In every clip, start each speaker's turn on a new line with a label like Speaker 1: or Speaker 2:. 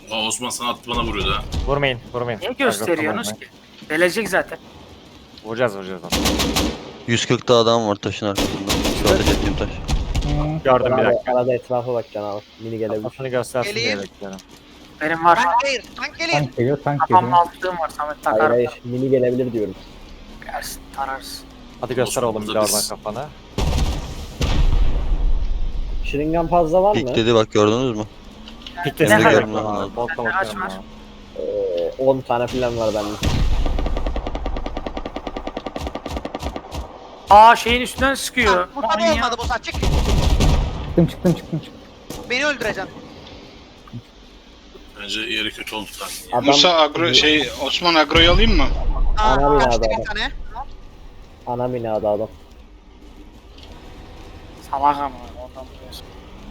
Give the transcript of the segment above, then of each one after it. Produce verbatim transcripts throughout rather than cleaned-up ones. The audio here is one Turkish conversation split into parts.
Speaker 1: Aa, Osman sana attı bana vuruyordu ha.
Speaker 2: Vurmayın, vurmayın.
Speaker 3: Niye gösteriyorsunuz ki? Gelecek zaten.
Speaker 2: Vuracağız, vuracağız.
Speaker 4: yüz kırkta adam var taşın arkasında. Şu ateş ettiğim taş.
Speaker 2: Gördüm bir
Speaker 5: Arada,
Speaker 2: dakika.
Speaker 5: arada etrafa bakacaksın abi. Mini gelebilir.
Speaker 2: Kafasını göstersin diye
Speaker 6: Geleyim.
Speaker 2: bekliyorum.
Speaker 3: Benim var.
Speaker 6: Tank gelir, tank gelir.
Speaker 7: Tank geliyor, tank
Speaker 3: Kafamın
Speaker 7: geliyor.
Speaker 3: altlığım var Samet
Speaker 5: Hayır
Speaker 3: takar.
Speaker 5: hayır. Mini gelebilir diyorum.
Speaker 3: Gelsin tararız.
Speaker 2: Hadi göster
Speaker 1: Osman
Speaker 2: oğlum bir de
Speaker 1: burada
Speaker 2: oradan
Speaker 1: biz.
Speaker 2: kafanı.
Speaker 5: Şırıngan fazla var mı?
Speaker 4: Pik dedi bak gördünüz mü?
Speaker 2: Piklesin
Speaker 3: Ne
Speaker 2: de
Speaker 4: kadar?
Speaker 2: bekliyorum abi. Boltla
Speaker 3: Ne
Speaker 2: bakıyorum
Speaker 3: var?
Speaker 2: abi.
Speaker 5: Ee, on tane falan var bende.
Speaker 3: Aa şeyin üstünden sıkıyor.
Speaker 6: Bu tabi
Speaker 3: Manyak.
Speaker 6: olmadı bu saç. Çık.
Speaker 7: Çıktım çıktım çıktım çıktım.
Speaker 6: Beni öldüreceksin.
Speaker 1: Bence yeri kötü oldu lan.
Speaker 5: Adam,
Speaker 8: Musa agro şey Osman agroyu alayım mı?
Speaker 6: Aa,
Speaker 5: Ana
Speaker 6: kaçtı
Speaker 5: binada
Speaker 6: bir
Speaker 5: adam.
Speaker 6: tane.
Speaker 5: Ana binada adam.
Speaker 3: Salak ama ondan biliyorsun.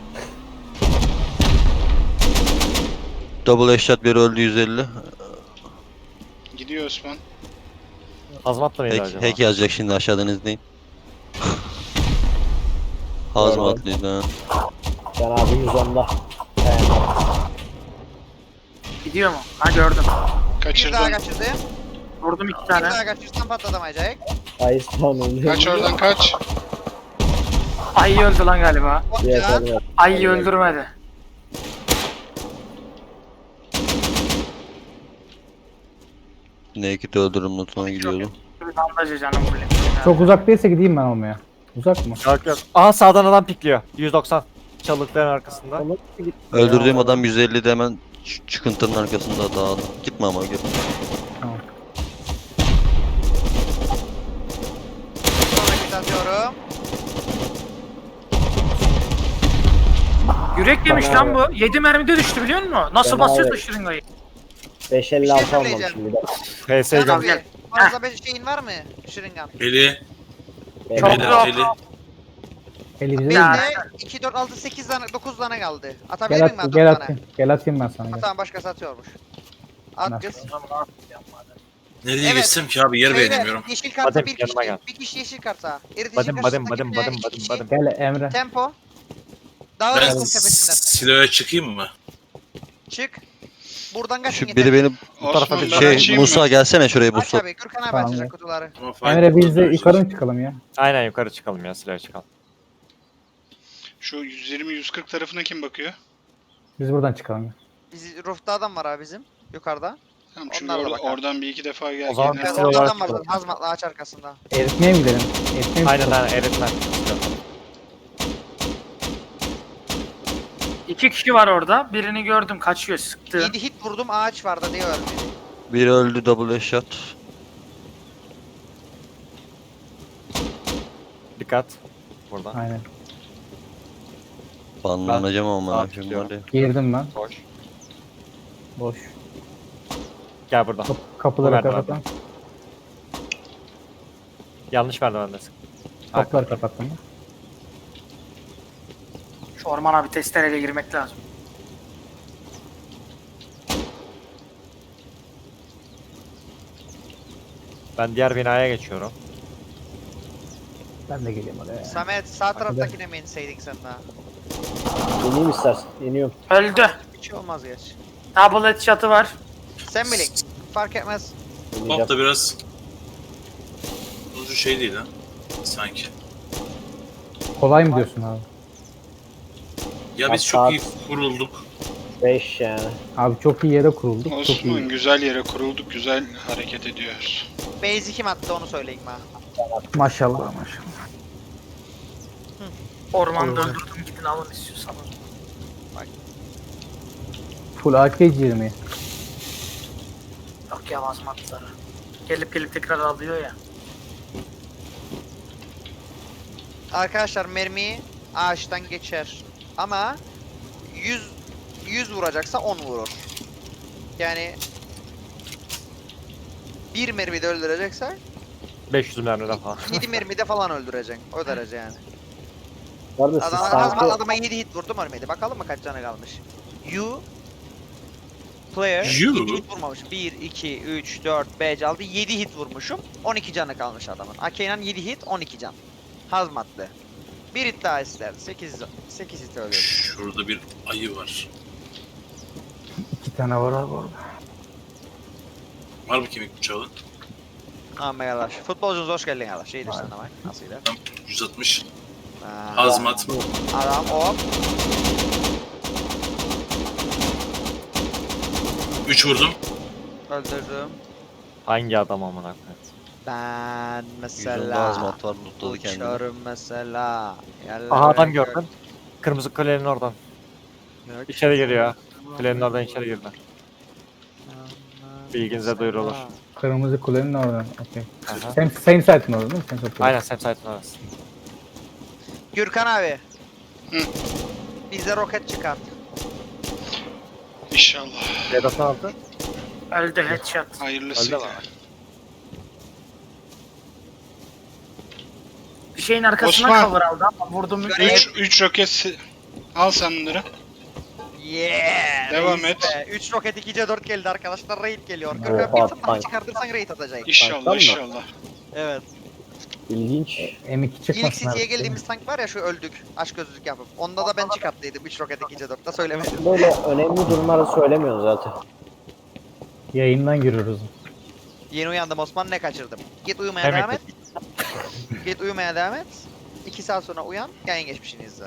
Speaker 4: Double headshot biri öldü yüz elli.
Speaker 8: Gidiyor Osman.
Speaker 2: Hazmatla mıydı
Speaker 4: Hack,
Speaker 2: acaba?
Speaker 4: hack yazacak şimdi aşağıdan izleyin. Hazmatlıydı ha.
Speaker 5: Ben abi yüz onda. Yani,
Speaker 3: Gidiyor mu? Ha gördüm.
Speaker 6: Bir
Speaker 8: Kaçırdım.
Speaker 6: daha kaçırdı.
Speaker 3: Vurdum iki
Speaker 6: Bir
Speaker 3: tane.
Speaker 6: daha kaçırsan patlatamayacak.
Speaker 5: ay spawn oluyor.
Speaker 8: Kaç oradan kaç.
Speaker 3: Ayı öldü lan galiba.
Speaker 5: Diğer
Speaker 6: Hopca.
Speaker 5: tane-
Speaker 3: Ayı öldürmedi.
Speaker 4: Naked öldürüm notuna gidiyordu.
Speaker 3: Bir bandajı canım bu.
Speaker 7: Çok uzak değilse gideyim ben olmaya. Uzak mı?
Speaker 2: Yok yok. Aha sağdan adam pikliyor. yüz doksan. Çalılıkların arkasında.
Speaker 5: Ama git-
Speaker 4: Öldürdüğüm
Speaker 5: Ya,
Speaker 4: adam yüz ellide hemen ç- çıkıntının arkasında dağıldı. Gitme ama git.
Speaker 7: Tamam.
Speaker 6: Sonraki atıyorum.
Speaker 3: Yürek yemiş
Speaker 5: Bana-
Speaker 3: lan bu. yedi mermide düştü biliyor musun? Nasıl
Speaker 5: Ben
Speaker 3: basıyorsun
Speaker 5: abi-
Speaker 3: şırıngayı?
Speaker 5: beş elli
Speaker 6: Bir şey
Speaker 5: altı
Speaker 6: söyleyeceğim.
Speaker 5: almamışım bir de.
Speaker 2: P S'yi
Speaker 6: Sen
Speaker 2: gör.
Speaker 6: abi fazla bir şeyin var mı? Şırıngan.
Speaker 1: Eli.
Speaker 5: Beş
Speaker 3: Çok
Speaker 5: elli.
Speaker 1: Eli.
Speaker 3: yok.
Speaker 1: Eli.
Speaker 7: Elimize
Speaker 3: Ya.
Speaker 6: Benim de iki, dört, altı, sekiz tane, dokuz tane kaldı. Atabilir
Speaker 7: gel,
Speaker 6: miyim
Speaker 7: at,
Speaker 6: ben
Speaker 7: gel
Speaker 6: dört tane?
Speaker 7: atayım. Gel atayım ben sana.
Speaker 6: Ha,
Speaker 7: Gel.
Speaker 6: tamam başkası atıyormuş. At
Speaker 7: Nasıl?
Speaker 6: kız.
Speaker 1: Nereye
Speaker 6: Evet.
Speaker 1: geçsem ki abi yer
Speaker 6: Beyler,
Speaker 1: beğenemiyorum.
Speaker 6: yeşil karta
Speaker 2: Badem,
Speaker 6: bir
Speaker 2: yanıma
Speaker 6: kişi,
Speaker 2: gel.
Speaker 6: bir kişi yeşil karta. Eritici
Speaker 2: Badım badım
Speaker 6: karşısındaki
Speaker 2: badım
Speaker 6: bine
Speaker 2: badım
Speaker 6: iki
Speaker 2: badım
Speaker 6: kişi.
Speaker 2: badım.
Speaker 7: Gel Emre.
Speaker 6: Tempo. Dağılın
Speaker 1: Ben
Speaker 6: kum tepesinden.
Speaker 1: siloya çıkayım mı?
Speaker 6: Çık. Buradan kaçın
Speaker 4: Şu
Speaker 6: yeter.
Speaker 4: biri beni
Speaker 8: Osman
Speaker 2: bir
Speaker 8: ben
Speaker 4: şey
Speaker 8: açayım
Speaker 4: Musa
Speaker 8: mı?
Speaker 4: gelsene şuraya
Speaker 6: Aç
Speaker 4: Musa.
Speaker 6: abi, Gürkan abi
Speaker 7: Tamam,
Speaker 6: açacak
Speaker 7: ya.
Speaker 6: kutuları.
Speaker 1: Ama fark
Speaker 7: Emre biz de
Speaker 1: etmez.
Speaker 7: yukarı mı çıkalım ya?
Speaker 2: Aynen yukarı çıkalım ya silahı çıkalım.
Speaker 8: Şu yüz yirmi yüz kırk tarafına kim bakıyor?
Speaker 7: Biz buradan çıkalım ya.
Speaker 6: Biz, roof'ta adam var abi bizim. Yukarıda.
Speaker 8: Tamam çünkü
Speaker 6: Onlarla
Speaker 8: orada-
Speaker 6: bakalım.
Speaker 8: oradan bir iki defa gel.
Speaker 2: O zaman
Speaker 8: gel-
Speaker 2: biz
Speaker 6: Evet,
Speaker 2: Silah
Speaker 6: orada
Speaker 2: olarak
Speaker 6: adam var
Speaker 2: çıkalım.
Speaker 6: zaten. Hazmatla ağaç arkasında.
Speaker 7: Eritmeye mi gidelim? Eritmeye mi
Speaker 2: Aynen
Speaker 7: çıkalım?
Speaker 2: aynen eritmen.
Speaker 3: İki kişi var orada. Birini gördüm kaçıyor sıktı.
Speaker 6: yedi hit vurdum ağaç vardı diye ölmedi.
Speaker 4: Biri öldü double headshot.
Speaker 2: Dikkat. Burada.
Speaker 7: Aynen.
Speaker 4: Banlanacağım ama
Speaker 2: Aa,
Speaker 4: ben şimdi
Speaker 2: tutuyorum.
Speaker 4: var ya.
Speaker 7: Girdim ben.
Speaker 2: Boş.
Speaker 7: Boş.
Speaker 2: Gel buradan.
Speaker 7: Kap kapıları
Speaker 2: Merdiven.
Speaker 7: kapattım.
Speaker 2: Yanlış merdivendesin.
Speaker 7: Kapıları kapattım.
Speaker 3: Şu ormana bir testereyle girmek lazım.
Speaker 2: Ben diğer binaya geçiyorum.
Speaker 7: Ben de geleyim oraya.
Speaker 6: Samet sağ taraftakine mi inseydin sen daha?
Speaker 5: İneyim istersen. İniyorum.
Speaker 3: Öldü.
Speaker 6: Hiç şey olmaz geç.
Speaker 3: Double headshot'ı var.
Speaker 6: Sen bilin. Fark etmez.
Speaker 5: İneceğim.
Speaker 1: Bak da biraz uzun şey değil ha. Sanki.
Speaker 7: Kolay mı diyorsun abi?
Speaker 1: Ya biz
Speaker 5: Bak,
Speaker 1: çok iyi
Speaker 5: saat-
Speaker 1: kurulduk.
Speaker 5: beş yani.
Speaker 7: Abi çok iyi yere kurulduk. Çok
Speaker 8: Osman
Speaker 7: iyi.
Speaker 8: güzel yere kurulduk, güzel hareket ediyoruz.
Speaker 6: Base kim attı onu söyleyin bana.
Speaker 7: Maşallah maşallah.
Speaker 3: Ormanda öldürdüm gidin alın istiyorsanız.
Speaker 7: Full A K yirmi.
Speaker 3: Yok ya vazmatları. Gelip gelip tekrar alıyor ya.
Speaker 6: Arkadaşlar mermi ağaçtan geçer. Ama yüz yüz vuracaksa on vurur. Yani bir mermide öldürecekse
Speaker 2: beş yüz mermiden falan.
Speaker 6: yedi mermide falan öldüreceksin. O derece yani.
Speaker 5: Bu arada siz
Speaker 6: Adam,
Speaker 5: sanki
Speaker 6: adam, adama yedi hit vurdum ölmedi. Bakalım mı kaç canı kalmış. You player
Speaker 1: You?
Speaker 6: yedi hit vurmamış. bir, iki, üç, dört, beş, altı, yedi hit vurmuşum. on iki canı kalmış adamın. Akenan yedi hit, on iki can. Hazmatlı. Bir hit daha ister. sekiz sekiz hit öldürdü.
Speaker 1: Şurada bir ayı var.
Speaker 7: İki tane var abi orada.
Speaker 1: Var mı kemik bıçağı?
Speaker 6: Aman yalaş. Futbolcunuz hoş geldin yalaş. İyidir sen de bak. Nasıl gider?
Speaker 1: yüz altmış.
Speaker 6: Ha,
Speaker 1: Hazmat.
Speaker 6: Adam hop.
Speaker 1: üç vurdum.
Speaker 6: Öldürdüm.
Speaker 2: Hangi adam amına koyayım?
Speaker 6: Ben
Speaker 4: Yüzünde
Speaker 6: mesela
Speaker 4: azmat var lootladı kendini.
Speaker 6: uçarım mesela. Yerlere
Speaker 2: Aha adam
Speaker 6: gök-
Speaker 2: gördüm. Kırmızı kulenin oradan.
Speaker 6: gök-
Speaker 2: İçeri giriyor. Kulenin oradan içeri girdi. Bilginize duyurulur.
Speaker 7: Kırmızı kulenin oradan. Okey.
Speaker 2: Aha.
Speaker 7: Same, same site'ın orada değil mi? Same site.
Speaker 2: Aynen Sam Sait'in orası.
Speaker 6: Gürkan abi.
Speaker 8: Hı.
Speaker 6: Bize roket çıkart.
Speaker 8: İnşallah.
Speaker 2: Vedat'ı aldı.
Speaker 3: Öldü headshot.
Speaker 8: Hayırlısıyla.
Speaker 2: Öldü mü?
Speaker 3: Bir şeyin arkasına
Speaker 8: Osman.
Speaker 3: cover aldı ama vurdum.
Speaker 8: üç üç roket si- al sen bunları.
Speaker 6: Yeah.
Speaker 8: Devam
Speaker 6: reis
Speaker 8: et.
Speaker 6: be. üç roket iki C dört geldi arkadaşlar. Raid geliyor.
Speaker 5: Oha,
Speaker 6: Gürkan bir tane daha
Speaker 5: tank.
Speaker 6: çıkartırsan raid atacak.
Speaker 8: İnşallah
Speaker 5: Tanktan mı?
Speaker 8: inşallah.
Speaker 6: Evet.
Speaker 5: İlginç.
Speaker 7: M iki
Speaker 6: İlk
Speaker 7: çıkmasın
Speaker 6: City'ye
Speaker 7: abi.
Speaker 6: geldiğimiz tank var ya şu öldük. Aşk gözlük yapıp. Onda da ben çıkarttıydım üç roket iki C dörtte söylemedim.
Speaker 5: Böyle önemli durumları söylemiyorsun zaten.
Speaker 7: Yayından giriyoruz.
Speaker 6: Yeni uyandım Osman ne kaçırdım. Git uyumaya
Speaker 2: Demek
Speaker 6: devam et. Git uyumaya devam et. iki saat sonra uyan. Yayın geçmişini izle.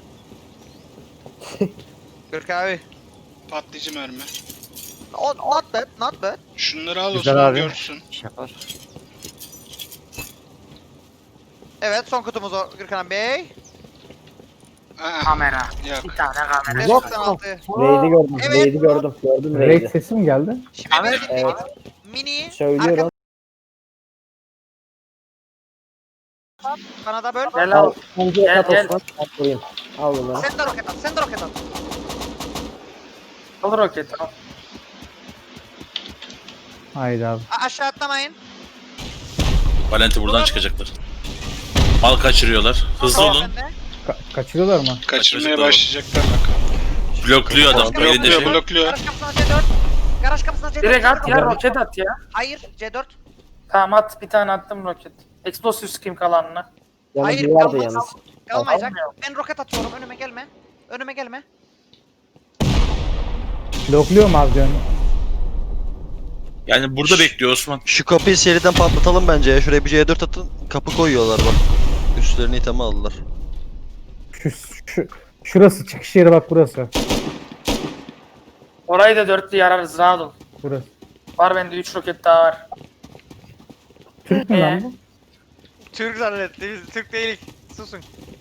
Speaker 6: Gürk abi.
Speaker 8: Patlayıcı mermi.
Speaker 6: O, not bad, not bad.
Speaker 8: Şunları al
Speaker 2: Güzel
Speaker 8: Osman
Speaker 2: abi.
Speaker 8: görsün.
Speaker 2: İş yapar.
Speaker 6: Evet son kutumuz o Gürkan Bey.
Speaker 8: Aa,
Speaker 3: Kamera.
Speaker 8: yok.
Speaker 3: Bir tane kamera.
Speaker 6: beş
Speaker 2: Yok.
Speaker 6: doksan altı.
Speaker 5: Raid'i gördüm.
Speaker 6: Evet.
Speaker 5: Raid'i gördüm. Gördüm
Speaker 7: Raid
Speaker 5: Raid'i.
Speaker 7: sesi mi geldi?
Speaker 6: Şimdi
Speaker 3: Evet,
Speaker 6: bir
Speaker 5: evet.
Speaker 6: mini
Speaker 5: Söylüyorum.
Speaker 6: arka Kanada böl.
Speaker 3: Gel al.
Speaker 5: Önce
Speaker 3: Gel,
Speaker 5: yat
Speaker 3: gel.
Speaker 5: Osman. At vurayım. Al bunları.
Speaker 6: Sen de roket at, sen de roket at.
Speaker 3: Al roket al.
Speaker 7: Haydi abi.
Speaker 6: A- aşağı atlamayın.
Speaker 1: Valenti buradan çıkacaklar. Mal kaçırıyorlar. Hızlı
Speaker 6: Tamam,
Speaker 1: olun.
Speaker 6: sen de.
Speaker 7: Ka- kaçırıyorlar mı?
Speaker 8: Kaçırmaya
Speaker 1: Kaçırdılar.
Speaker 8: başlayacaklar bak.
Speaker 1: Blokluyor adam. Elinde
Speaker 8: Blokluyor
Speaker 1: şey.
Speaker 8: blokluyor.
Speaker 6: Garaj kapısına C dört. Garaj kapısına C dört.
Speaker 3: Direkt at ya roket at ya.
Speaker 6: Hayır C dört.
Speaker 3: Tamam at bir tane attım roket. Explosive sıkayım kalanına.
Speaker 6: Hayır,
Speaker 5: Yanı vardı
Speaker 6: kalmaz.
Speaker 5: yalnız.
Speaker 6: Kalmayacak.
Speaker 3: Almıyor.
Speaker 6: Ben roket atıyorum önüme gelme. Önüme gelme.
Speaker 7: Blokluyor mu abi diyorsun?
Speaker 1: Yani burada bekliyor Osman.
Speaker 4: Şu kapıyı seriden patlatalım bence ya. Şuraya bir C dört atın. Kapı koyuyorlar bak. Üstlerini iteme aldılar.
Speaker 7: Şu, şu, şurası çıkış yeri bak burası.
Speaker 3: Orayı da dörtlü yararız rahat ol.
Speaker 7: Burası.
Speaker 3: Var bende üç roket daha var.
Speaker 7: Türk mü
Speaker 3: Ee?
Speaker 7: lan bu?
Speaker 6: Türk zannetti. Biz Türk değiliz. Susun.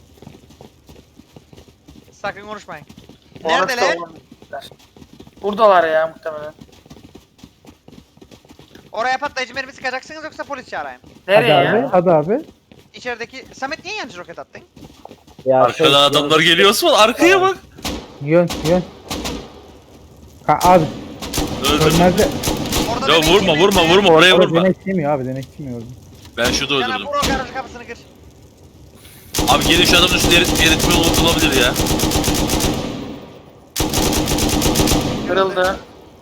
Speaker 6: Sakın konuşmayın. Neredeler?
Speaker 3: Orası da olabilirler. Buradalar ya muhtemelen.
Speaker 6: Oraya patlayıcı mermi sıkacaksınız yoksa polis çağırayım.
Speaker 3: Nereye
Speaker 7: Hadi
Speaker 3: ya?
Speaker 7: abi, hadi abi.
Speaker 6: İçerideki... Samet niye yancı roket attın?
Speaker 5: Ya şey-
Speaker 1: Arkadan adamlar geliyor Osman. Arkaya bak.
Speaker 7: Yön, yön. Ha, abi,
Speaker 1: Öldüm.
Speaker 7: önlerde...
Speaker 6: Orada
Speaker 1: Ya
Speaker 6: demek
Speaker 1: vurma
Speaker 6: ki-
Speaker 1: vurma vurma oraya
Speaker 7: Abi
Speaker 1: vurma.
Speaker 7: deneklemiyor abi, deneklemiyor orada.
Speaker 1: Ben şurada
Speaker 6: Sana
Speaker 1: öldürdüm.
Speaker 6: vur o garaj kapısını kır.
Speaker 1: Abi gelin şu adamın üstüne erit, eritme olabilir ya.
Speaker 3: Kırıldı.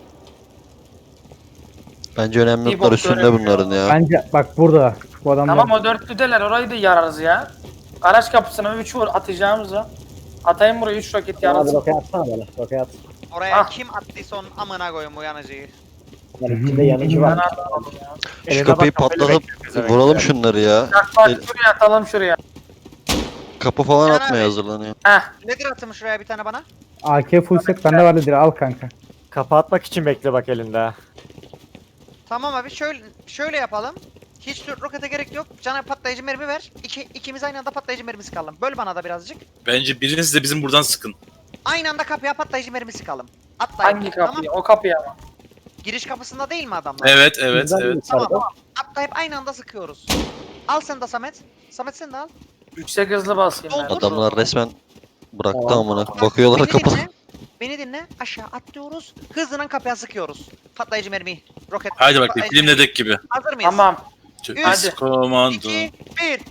Speaker 4: Bence önemli
Speaker 3: Bir
Speaker 4: noktalar
Speaker 3: bok
Speaker 4: üstünde
Speaker 3: göremiyor.
Speaker 4: bunların ya.
Speaker 7: Bence bak burada. Bu adamlar...
Speaker 3: Tamam o dörtlüdeler orayı da yararız ya. Araç kapısına üç vur atacağımıza. Atayım buraya üç roket
Speaker 5: Abi
Speaker 3: yararız.
Speaker 5: roket atsana bana. Roket at.
Speaker 6: Oraya
Speaker 3: Ah.
Speaker 6: kim attıysa onun amına koyun bu yanıcıyı.
Speaker 5: Yani içinde yanıcı
Speaker 3: Ben
Speaker 5: var.
Speaker 3: atalım ya.
Speaker 4: Şu
Speaker 2: Eline
Speaker 4: kapıyı
Speaker 2: bak, kafayla
Speaker 4: patlatıp
Speaker 2: bekliyor bize
Speaker 4: vuralım
Speaker 2: bekliyor.
Speaker 4: şunları ya.
Speaker 3: Bak bak
Speaker 4: El-
Speaker 3: şuraya atalım şuraya.
Speaker 4: Kapı falan
Speaker 6: Caner
Speaker 4: atmaya
Speaker 6: abi.
Speaker 4: hazırlanıyor.
Speaker 3: Heh.
Speaker 6: Nedir atımı şuraya bir tane bana?
Speaker 7: A K full set bende vardı direkt al kanka.
Speaker 2: Kapatmak için bekle bak elinde.
Speaker 6: Tamam abi şöyle şöyle yapalım. Hiç ro- rokete gerek yok. Cana patlayıcı mermi ver. İki, ikimiz aynı anda patlayıcı mermi sıkalım. Böl bana da birazcık.
Speaker 1: Bence biriniz de bizim buradan sıkın.
Speaker 6: Aynı anda kapıya patlayıcı mermi sıkalım. Atlayın.
Speaker 3: Hangi
Speaker 6: Tamam.
Speaker 3: kapıyı? O kapıyı ama.
Speaker 6: Giriş kapısında değil mi adamlar?
Speaker 1: Evet evet
Speaker 5: Bizden
Speaker 1: evet.
Speaker 5: bir yukarıda.
Speaker 6: Tamam. Atlayıp aynı anda sıkıyoruz. Al sen de Samet. Samet sen de al.
Speaker 3: Yüksek hızlı basayım ben.
Speaker 6: Doldur.
Speaker 4: Adamlar resmen bıraktı
Speaker 5: Tamam.
Speaker 4: amına. Bakıyorlar
Speaker 6: Beni
Speaker 4: kapı.
Speaker 6: dinle. Beni dinle. Aşağı atlıyoruz. Hızlıdan kapıya sıkıyoruz. Patlayıcı mermi. Roket.
Speaker 1: Haydi bak
Speaker 6: patlayıcı
Speaker 1: film
Speaker 6: mermi.
Speaker 1: dedek gibi.
Speaker 6: Hazır mıyız?
Speaker 3: Tamam.
Speaker 1: Üç
Speaker 3: Hadi.
Speaker 1: komando.
Speaker 6: iki, bir.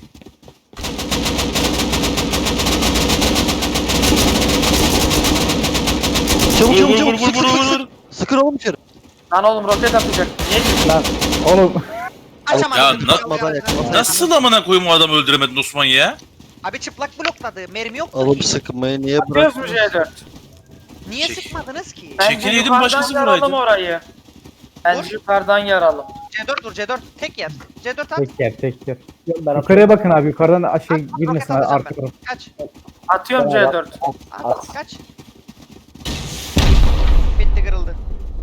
Speaker 4: Çabuk
Speaker 1: Vur
Speaker 4: çabuk
Speaker 1: vur
Speaker 4: çabuk
Speaker 1: vur
Speaker 4: sık
Speaker 1: vur
Speaker 4: sık
Speaker 1: vur
Speaker 4: sık.
Speaker 1: vur.
Speaker 4: Sıkın oğlum içeri.
Speaker 3: Lan oğlum roket atacak. Niye gidiyorsun?
Speaker 7: Lan oğlum.
Speaker 6: Açamadım.
Speaker 1: Ya,
Speaker 6: Bütün
Speaker 1: na-
Speaker 6: kapıyı açamadım.
Speaker 1: Nasıl amına koyayım o adamı öldüremedin Osman ya?
Speaker 6: Abi çıplak blokladı. Mermi yok.
Speaker 4: Alıp sıkmayı niye
Speaker 3: Atıyoruz mu
Speaker 4: bıraktın?
Speaker 3: C dört?
Speaker 6: Niye
Speaker 1: Çek-
Speaker 6: sıkmadınız ki?
Speaker 3: Bence
Speaker 1: Çekileydim,
Speaker 3: yukarıdan
Speaker 1: başkası
Speaker 3: yaralım
Speaker 1: vuraydı.
Speaker 3: orayı. Bence
Speaker 6: Vur.
Speaker 3: yukarıdan yaralım.
Speaker 6: C dört vur C dört. Tek yer. C dört at.
Speaker 7: Tek yer tek yer.
Speaker 5: Ben
Speaker 7: Yukarıya bakın abi yukarıdan aşağı
Speaker 6: At, at,
Speaker 7: girmesin
Speaker 6: roket atacağım
Speaker 7: arka
Speaker 6: ben.
Speaker 7: taraf.
Speaker 6: Kaç.
Speaker 3: Atıyorum
Speaker 5: Tamam.
Speaker 3: C dört.
Speaker 6: At,
Speaker 5: At.
Speaker 6: kaç. Bitti kırıldı.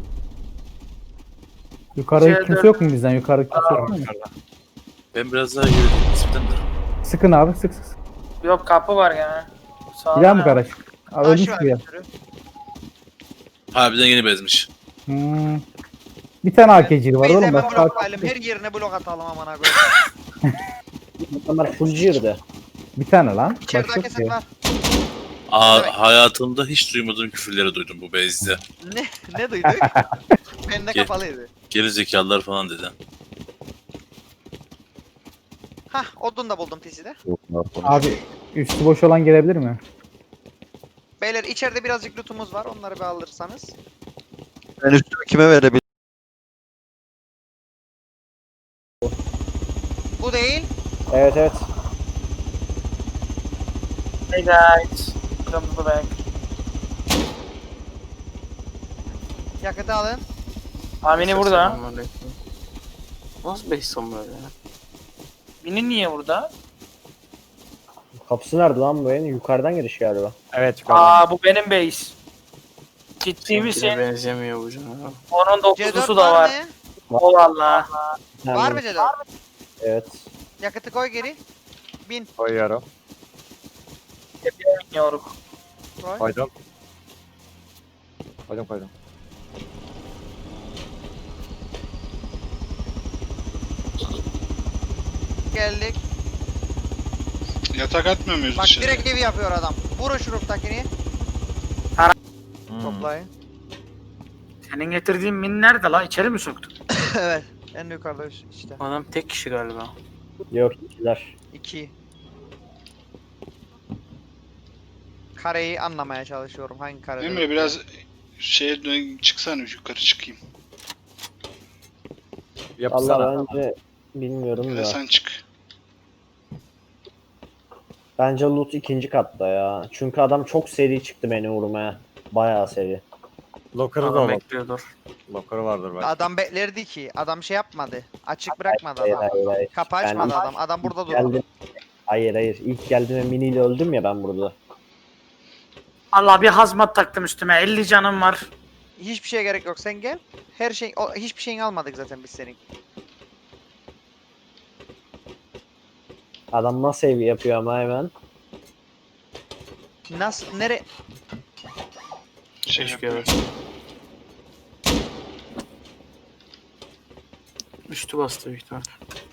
Speaker 7: Yukarıda
Speaker 3: C dört.
Speaker 7: kimse yok mu bizden? Yukarıda kimse yok mu?
Speaker 1: Ben biraz daha yürüdüm nispeten de.
Speaker 7: Sıkın abi sık sık. sık.
Speaker 3: Yok kapı var gene. Sağda
Speaker 7: Bir daha mı
Speaker 3: ne?
Speaker 7: garaj? Abi
Speaker 6: Taş
Speaker 7: ölmüş
Speaker 6: var
Speaker 7: bir yer.
Speaker 6: bir sürü.
Speaker 1: Harbiden yeni bezmiş.
Speaker 7: Hmm. Bir tane A K'cili var
Speaker 6: Biz
Speaker 7: oğlum.
Speaker 6: hemen
Speaker 7: Başka
Speaker 6: bloklayalım. Her yerine blok atalım amına koyayım.
Speaker 5: Adamlar full girdi.
Speaker 7: bir tane lan.
Speaker 6: İçeride
Speaker 7: Başka
Speaker 6: keset
Speaker 7: yok ki.
Speaker 6: var.
Speaker 1: Aa,
Speaker 6: Evet.
Speaker 1: hayatımda hiç duymadığım küfürleri duydum bu bezde.
Speaker 6: Ne? Ne duyduk? Bende
Speaker 1: Gel.
Speaker 6: kapalıydı.
Speaker 1: Geri zekalılar falan dedi.
Speaker 6: Hah odun da buldum T C'de.
Speaker 7: Abi üstü boş olan gelebilir mi?
Speaker 6: Beyler içeride birazcık lootumuz var. Onları bir alırsanız.
Speaker 4: Ben üstümü kime verebilirim?
Speaker 6: Bu değil.
Speaker 5: Evet evet.
Speaker 3: Hey guys. Welcome to the back.
Speaker 6: Yakıtı alın.
Speaker 3: Amini burada.
Speaker 9: Nasıl beş son böyle ya?
Speaker 3: Mini niye burada?
Speaker 5: Kapısı nerede lan bu evin? Yukarıdan giriş galiba.
Speaker 2: Evet yukarıdan.
Speaker 3: Aa bu benim base. Ciddi
Speaker 9: Seninkine
Speaker 3: misin?
Speaker 9: benzemiyor bu canım.
Speaker 3: Onun
Speaker 6: C dört
Speaker 3: dokuzlusu da
Speaker 6: var
Speaker 3: var.
Speaker 6: mı?
Speaker 3: O valla.
Speaker 6: Var mı C dört?
Speaker 5: Evet.
Speaker 6: Yakıtı koy geri. Bin.
Speaker 2: Koyuyorum.
Speaker 3: Bilmiyorum.
Speaker 6: Koy.
Speaker 2: Koydum. Koydum koydum.
Speaker 6: Geldik.
Speaker 8: Yatak atmıyor muyuz
Speaker 6: Bak
Speaker 8: dışarı?
Speaker 6: direkt evi yapıyor adam. Vurun şu roof'takini.
Speaker 2: Hmm.
Speaker 6: Toplayın.
Speaker 3: Senin getirdiğin mini nerede la? İçeri mi soktun?
Speaker 6: Evet. En yukarıda işte.
Speaker 9: Adam tek kişi galiba.
Speaker 5: Yok ikiler.
Speaker 6: İki. Kareyi anlamaya çalışıyorum. Hangi kare?
Speaker 8: Emre biraz şeye dön çıksana yukarı çıkayım.
Speaker 2: Yapsana.
Speaker 5: Allah bence bilmiyorum
Speaker 8: Ya
Speaker 5: ya.
Speaker 8: sen çık.
Speaker 5: Bence loot ikinci katta ya. Çünkü adam çok seri çıktı beni vurmaya. Bayağı seri.
Speaker 2: Locker'ı da
Speaker 9: Adam
Speaker 2: olur.
Speaker 9: bekliyordur.
Speaker 2: Locker'ı vardır belki.
Speaker 6: Adam beklerdi ki. Adam şey yapmadı. Açık bırakmadı
Speaker 5: Hayır
Speaker 6: adam.
Speaker 5: hayır hayır.
Speaker 6: Kapı
Speaker 5: Ben
Speaker 6: açmadı
Speaker 5: ilk
Speaker 6: adam. Adam burada durdu.
Speaker 5: Geldim. Hayır hayır. İlk geldiğimde miniyle öldüm ya ben burada.
Speaker 3: Allah bir hazmat taktım üstüme. elli canım var.
Speaker 6: Hiçbir şeye gerek yok. Sen gel. Her şey o, hiçbir şeyini almadık zaten biz senin.
Speaker 5: Adam nasıl ev yapıyor ama hemen.
Speaker 6: Nasıl nere
Speaker 8: Şey
Speaker 9: Keşke
Speaker 8: yapıyor.
Speaker 9: evet. Üstü bastı büyük ihtimal.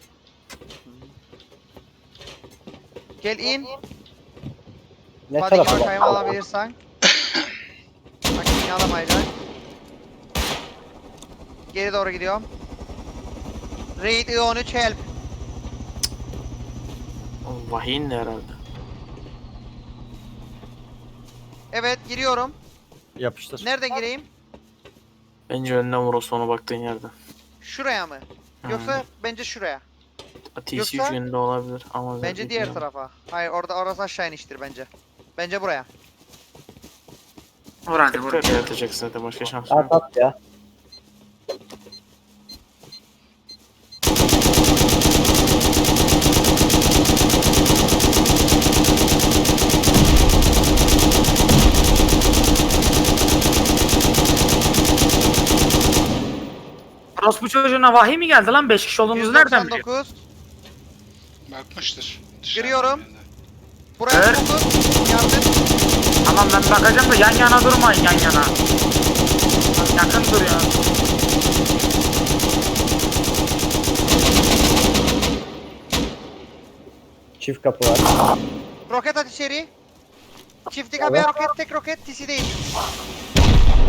Speaker 6: gel in.
Speaker 5: Ne
Speaker 6: Hadi
Speaker 5: tarafa
Speaker 6: bakayım
Speaker 5: bak.
Speaker 6: alabilirsen. Makineyi alamayacak. Geri doğru gidiyorum. Raid I on üç help.
Speaker 9: O vahiyin de herhalde.
Speaker 6: Evet giriyorum.
Speaker 2: Yapıştır.
Speaker 6: Nereden gireyim?
Speaker 9: Bence önden vur o sona baktığın yerde.
Speaker 6: Şuraya mı? Yoksa bence şuraya.
Speaker 9: T C
Speaker 6: Yoksa-
Speaker 9: yönünde olabilir ama
Speaker 6: Bence diğer tarafa. Hayır orada orası aşağı iniştir bence. Bence buraya.
Speaker 3: Vur hadi vur.
Speaker 9: Tekrar yaratacak zaten başka şans yok.
Speaker 5: At at ya.
Speaker 3: Orospu çocuğuna vahiy mi geldi lan? beş kişi olduğumuzu nereden biliyor?
Speaker 6: yüz doksan dokuz.
Speaker 8: Bakmıştır.
Speaker 6: Giriyorum.
Speaker 8: Dışarıdan
Speaker 6: Buraya
Speaker 3: Evet.
Speaker 6: dokuz. Yardım.
Speaker 3: Tamam ben bakacağım da yan yana durmayın yan yana. Lan yakın dur ya.
Speaker 5: Çift kapı var.
Speaker 6: Roket at içeri. Çiftlik abi roket tek roket tisi değil.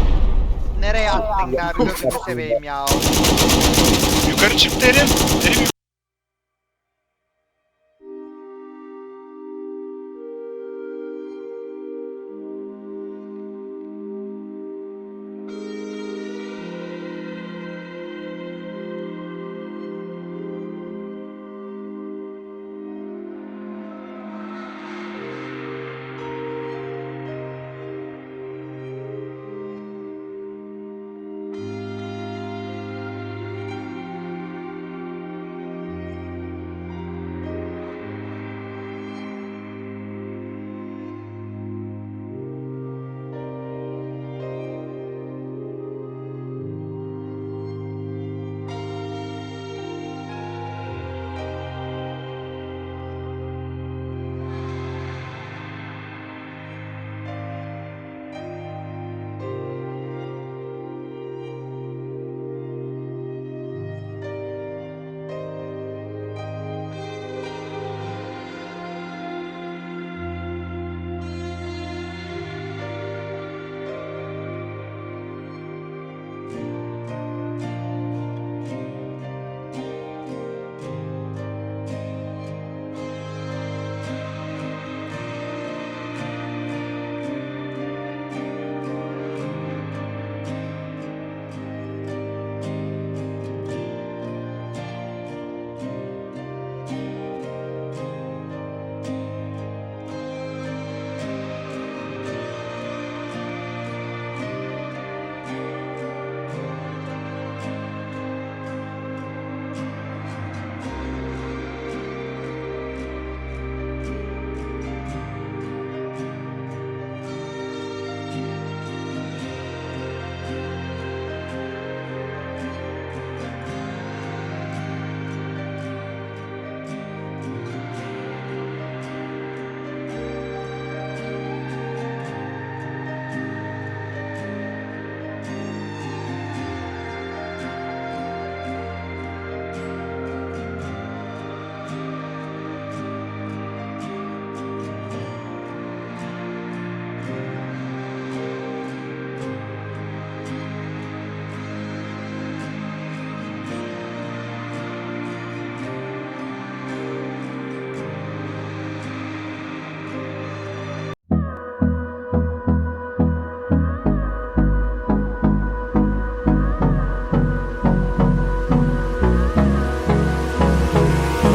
Speaker 6: Nereye attın abi gözünü seveyim ya.
Speaker 8: Yukarı çıktı Erim. Erim